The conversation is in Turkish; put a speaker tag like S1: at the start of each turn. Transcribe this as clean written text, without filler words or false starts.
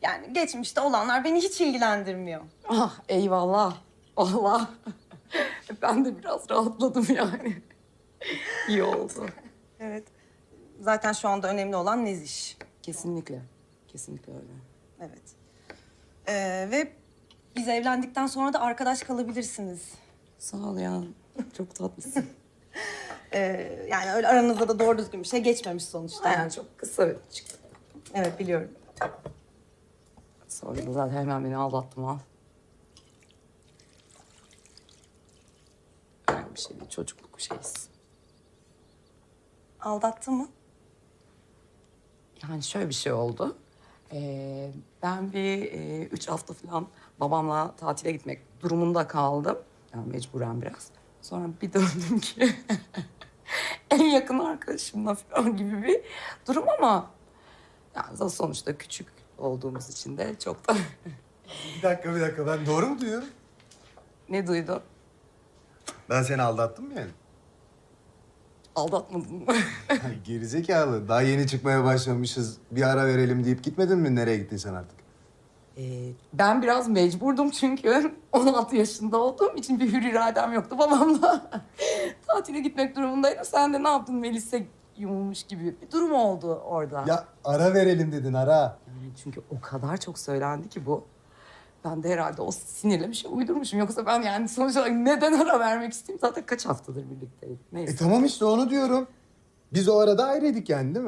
S1: Yani geçmişte olanlar beni hiç ilgilendirmiyor.
S2: Ah eyvallah. Allah. Ben de biraz rahatladım yani. İyi oldu.
S1: Evet. Zaten şu anda önemli olan Neziş.
S2: Kesinlikle. Kesinlikle öyle.
S1: Evet. Ve biz evlendikten sonra da arkadaş kalabilirsiniz.
S2: Sağ ol ya. Çok tatlısın.
S1: Yani öyle aranızda da doğru düzgün bir şey geçmemiş sonuçta.
S2: Yani çok kısa çıktı.
S1: Evet, biliyorum.
S2: Sonra da zaten hemen beni aldattım al. Öyle bir şey değil. Çocukluk şeyiz.
S1: Aldattı mı?
S2: Yani şöyle bir şey oldu. Ben bir 3 hafta falan babamla tatile gitmek durumunda kaldım. Yani mecburen biraz. Sonra bir döndüm ki en yakın arkadaşımla falan gibi bir durum ama yani sonuçta küçük olduğumuz için de çok da
S3: Bir dakika. Ben doğru mu duyuyorum?
S2: ne duydun?
S3: Ben seni aldattım mı yani?
S2: Aldatmadın mı?
S3: Ay, gerizekalı. Daha yeni çıkmaya başlamışız. Bir ara verelim deyip gitmedin mi? Nereye gittin sen artık?
S2: Ben biraz mecburdum çünkü 16 yaşında olduğum için bir hür iradem yoktu babamla. Tatile gitmek durumundaydım. Sen de ne yaptın Melis'e yumulmuş gibi bir durum oldu orada.
S3: Ya ara verelim dedin ara.
S2: Yani çünkü o kadar çok söylendi ki bu. Ben de herhalde o sinirle bir şey uydurmuşum. Yoksa ben yani sonuç olarak neden ara vermek isteyeyim? Zaten kaç haftadır birlikteydik. Neyse.
S3: Tamam işte onu diyorum. Biz o arada ayrıydık yani değil mi?